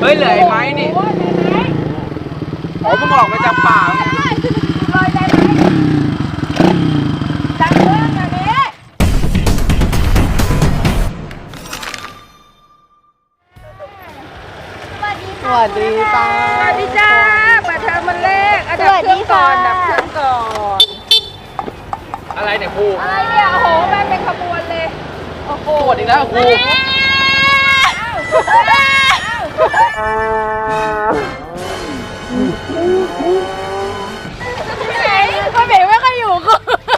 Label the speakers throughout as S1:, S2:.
S1: เฮ้ยเหลือไอ้ไม้นี่อ๋อมึงออกมาจากป่าเนี่ย
S2: ลอยได้ไหมจังเรื่องอันนี้
S3: สวัสดีจ้า
S2: สวัสดีจ้าเปิดเทอมวันแรกดับเครื่องก่อนดับเครื่องก่อน
S1: อะไรเนี่ยครู
S2: อะไรเนี่ยโอ้โหมาเป็นขบวนเลยโอ้โห
S1: ปวดอีกแล้วครู
S2: ไหนพ่อเบ๋ไม่ค่อยอยู่กู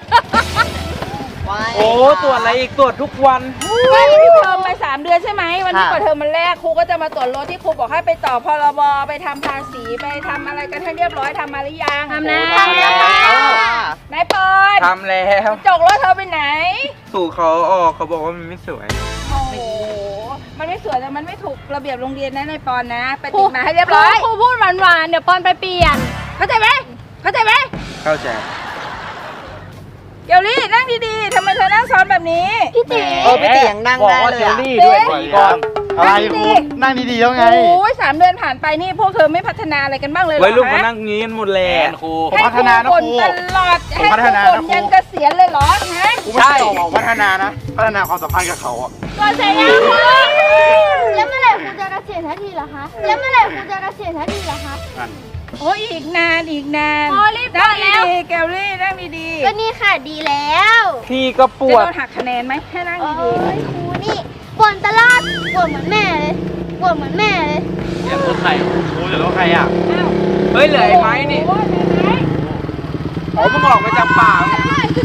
S1: โอ้ตรวจอะไรอีกตรวจทุกวัน
S2: ไม่ได้เทอมไป3 เดือนใช่ไหมวันนี้เปิดเทอมวันแรกครูก็จะมาตรวจรถที่ครูบอกให้ไปต่อพรบไปทำภาษีไปทำอะไรกันให้เรียบร้อยทำมาหรือยังทำแล้วนายเปิด
S1: ทำแล้ว
S2: จกรถเธอไปไหน
S1: สู่เขาออกเขาบอกว่ามันไม่สวย
S2: โอ้โหมันไม่สวยแต่มันไม่ถูกระเบียบโรงเรียนนะนายปอนนะไปติดมาให้เรียบร้อย
S3: ครูพูดหวานๆเดี๋ยวปอนไปเปลี่ยน
S2: เข้าใจไหมเข้าใจไหม
S1: เข้าใจ
S2: เกลลี่นั่งดีๆทำไมเธอนั่งซ้อนแบบนี้
S3: พี่ติ๋
S4: พี่เตียงนั่งได้เลย
S1: เจล
S4: อะ
S1: ลี่ด้วยก่อน
S4: อะไรครูนั่งดีๆแล้วไง
S2: โอ้ย3 เดือนผ่านไปนี่พวกเธอไม่พัฒนาอะไรกันบ้างเลยเหรอ
S1: ไว้ลูกมา
S2: ฮะ
S1: นั่งงี้กันหมดแหละครู
S4: ผมพัฒนานะครู
S2: ให้ตลอด
S4: ผม
S2: ให้
S4: พัฒนา
S2: ทุก
S4: นะ
S2: คน
S4: ครู
S2: ยันเกษียณเลยเหรอฮะ
S4: กูไม่ใช่บอกพัฒนานะ พัฒนาความสัมพันธ์กับเขาอ่ะ
S2: ก่อนเสียยัง
S3: แล้วเมื่อไหร่ครูจะเกษียณทันทีเหรอคะแล้วเมื่อไหร่ครูจะเกษียณทันทีเหรอคะ
S2: โอ้ยอีกนานอีกนาน
S3: โอ้รีบ
S2: นั่ง
S3: แล้ว
S2: ดีๆแกลลี่นั่งดีๆ
S3: ก็นี่ค่ะดีแล้ว
S1: พี่ก็ป
S2: จะ
S1: วด
S2: โดนหักคะแนนไหมให้นั่ง
S3: โอ้
S2: ดี
S3: ยครูนี่บ่นตลอดบ่นเหมือนแม่เลยบ่นเหมือนแม่เลย
S1: เดี๋ยวรถใคร
S4: ครูจะรู้ใครอ่ะ
S2: ๆอ้าว
S1: เฮ้ยเหลือไอ้ไม้นี่
S2: โอ้ยไหน
S1: อ๋อมึงออกมาจากป่าเนี่ย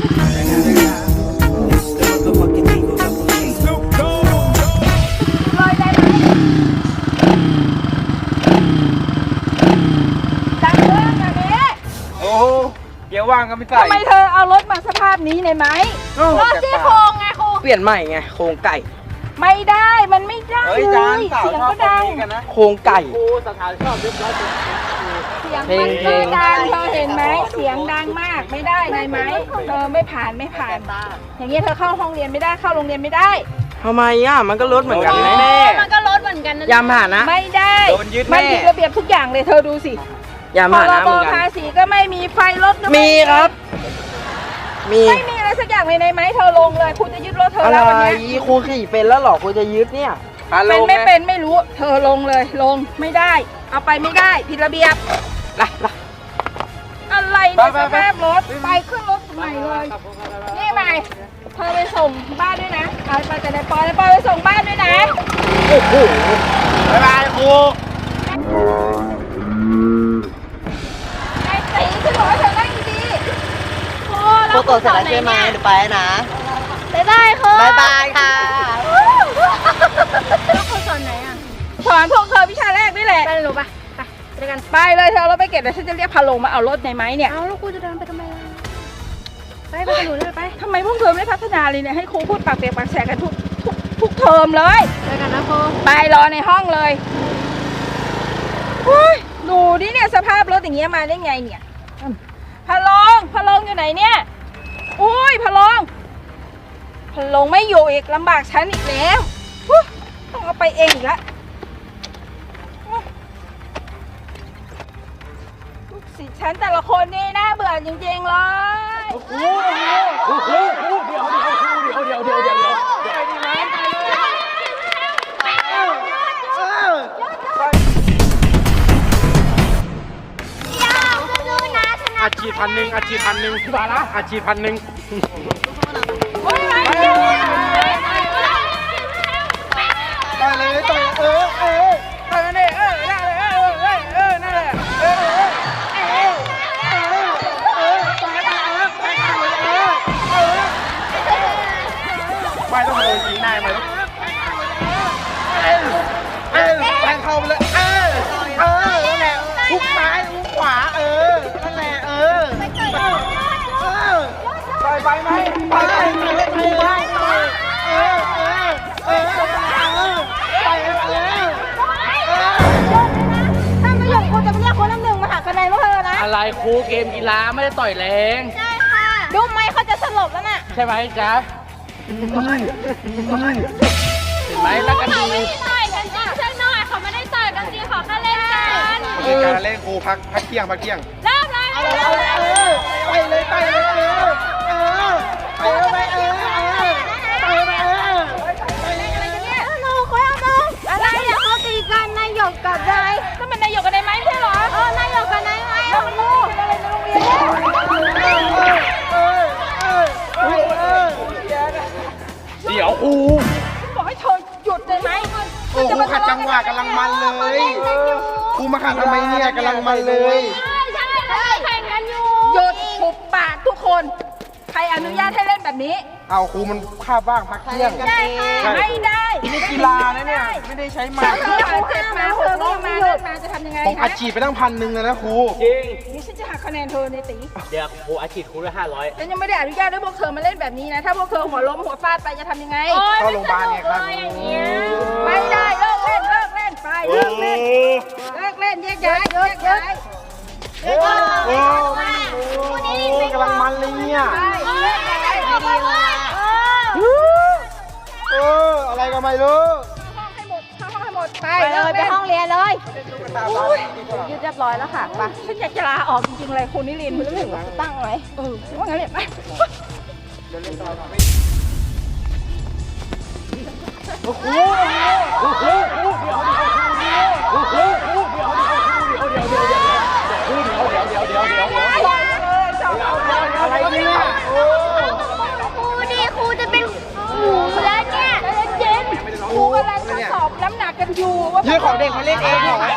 S2: ๆลอยได้ไหมจังเรื่องอันนี้
S1: โอ้เดี๋ยวว่างก็ไม่ใส่
S2: ทำไมเธอเอารถมาสภาพนี้ในไหม
S3: รถซี่โครงไงครู
S1: เปลี่ยนใหม่ไงโครงไก่
S2: ไม่ได้มันไม่ได้
S1: เฮ้ย
S2: เล
S1: จาน
S2: ย
S1: สาว
S2: เสียง
S1: ชอบ
S2: ก็
S1: แบบ
S2: ดัง
S1: นี้กันนะโครงไก่
S2: เสียง
S1: เพล
S2: มั
S1: ง
S2: น
S1: เพล
S2: ก็
S1: ง
S2: ดังเธอเห็นไหมเสียงดังมากไม่ได้ในไหมเธอไม่ผ่านอย่างเงี้ยเธอเข้าห้องเรียนไม่ได้เข้าโรงเรียนไม่ได้
S1: ทำไมอ่ะมันก็ลดเหมือนกันแน่
S3: มันก็รถเหมือนกันนะ
S1: ยามผ่านนะ
S2: ไม่ได้
S1: โดนยึดแน่
S2: มันผิดระเบียบทุกอย่างเลยเธอดูสิ
S1: ยาม
S2: พ
S1: ผ่าน
S2: ร
S1: นะ
S2: บ
S1: เหมือนกัน
S2: ภาษีก็ไม่มีไฟรถก็
S1: มีครับ มี
S2: ไม่มีอะไรสักอย่างเลยในไหมเธอลงเลยคุณจะยึดรถเธอ
S1: อะไร
S2: แล้ววันเนี้ย
S1: ครูขี่เป็นแล้วหรอครูจะยึดเนี่ย
S2: เป็นไม่เป็นไม่รู้ เธอลงเลยลงไม่ได้ เอาไปไม่ได้ผิดระเบียบ
S1: ล่ะ
S2: อะไรเนี่ย
S1: ไป
S2: ส
S1: ไป
S2: ภาพรถไปขึ้นรถใหม่เลยนี่ไปเธอไปส่งบ้านด้วยนะเอาไปแต่ในปอยไปส่งบ้านด้วยนะ
S1: โอ้โห
S4: บ๊ายบายครู
S2: ไอ้ตีฉันบอกว่าเธอนั่งดีๆโอ้
S4: ครูตรวจเสร็จแล้วใช่ไหมเดี๋ยวไปนะ
S3: บ๊ายบายครู
S4: บ๊ายบายค่ะ
S3: แล้วครูสอนไหนอ่ะ
S2: สอนพวกเธอวิชาแรกนี่แหละ
S3: ไปเลยหนูปะไปด้วยกัน
S2: ไปเลยเธอเราไปเก็บเดี๋ยวฉันจะเรียกพาลงมาเอารถในไม้เนี่ย
S3: เอาแล้วครูจะเดินไปทำไมล่ะไปกับหนูเลยไป
S2: ทำไมพวกเธอไม่พัฒนาเลยเนี่ยให้ครูพูดปากเปียกปากแฉกกันทุกเทอมเลย
S3: ไปกันนะครู
S2: ไปรอในห้องเลยอุ้ยดูดิเนี่ยสภาพรถอย่างเงี้ยมาได้ไงเนี่ยพะลงอยู่ไหนเนี่ยอุ้ยพะลงไม่อยู่อีกลำบากฉันอีกแล้วอุ๊ยต้องเอาไปเองอีกแล้วลูกศิษย์ฉันแต่ละคนนี่น่าเบื่อจริงๆเลย
S4: อาชีพ1,000อาชีพ1,000ที่บ้านละอาชีพ1,000
S2: โอ๊ยไป
S4: ต่อยเลยต่อย
S2: ไปกันดิได้เลยนั่นแหละ
S4: ไม่ต้องโดนยิงนายมาแทงเข้าไปเลยนั่นแหละทุกซ้ายทุกขวานั่นแหละไปไหมไป
S2: ถ้าไม่หยุดครูจะไปเรียกคนน้ำหนึ่งมาหักคะแนนพวกเธอนะ
S1: อะไรครูเกมกีฬาไม่ได้ต่อยแรง
S3: ใช่ค่ะ
S2: ดูไหมเขาจะสลบแล้วน่ะ
S1: ใช่ไหมจ๊ะเห็นไหมรักกันดี
S3: ต่อยกันจริงใช่หน่อยเขาไม่ได้ต่อยกันจริงเขา
S4: เล่นครูพักเที่ยง
S2: เริ่มเลย
S4: ไปเลยไป
S3: น้องเขาเอาน้องอะไรอะเขาตีกันนายหยกกับนาย
S2: ก็มันนายหยกกับนายไม้ไม่ใช่เหรอ
S3: นายหยกกับนายไม้เอาลูก
S2: อะไรในโรงเรียนเนี่ย
S1: เดี๋ยวครู
S2: บอกให้เธอหยุดเลยไหม
S4: โอ้ครูขัดจังหวะกำลังมันเลยครูมาขัดทำไมเนี่ยกำลังมันเลย
S3: ใช่เขาแข่งกันอยู่
S2: หยุดหุบปากทุกคน ใครอนุญาตให้เล่นแบบนี้
S4: เอาครูมันคาบว่างพักเที่ยง
S3: ได้ค่ะ
S2: ไม่ได้
S1: นี่กีฬานะเนี่ยไม่ได้ใช้ไม้
S2: ถ้าเธอบาดเจ็บมาเธอก็มาเล่นมาจะทำยังไง
S4: ผมอัดฉีดไปตั้ง1,000เลยนะครู
S1: จริง
S2: นี่ฉันจะหักคะแนนเธอในตี
S1: เดี๋ยวครูอาชีพครูละ500
S2: ฉันยังไม่ได้อนุญาตให้พวกเธอมาเล่นแบบนี้นะ ถ้าพวกเธอหัวล้มหัวฟาดไปจะทำยังไง
S4: เข้าโรงพยาบาลเนี่ยครับ
S2: ไม่ได้เลิกเล่นไปเลิกเล่นแยกย้ายแยกย้าย
S4: โอ้กำลังมันเลยเนี่ย อะไรก็ไม่รู้
S2: เข้าห้องให้หมดไป
S3: ไปเลยไปห้องเรียนเลย
S2: ยืดเรียบร้อยแล้วค่ะไปฉันอยากจะลาออกจริงๆเลยคุณนิรินทร์คุณถึงตั้งไว้ว่างั้นเลยไป
S4: อะไรเนี่ย
S3: ครูดิครูจะเป็นหมูแล้วเนี่ย
S2: เย็นครูกำลังทดสอบน้ำหนักกันอยู่ว่า
S4: ยืดของเด็กมาเล่นเองเหรอ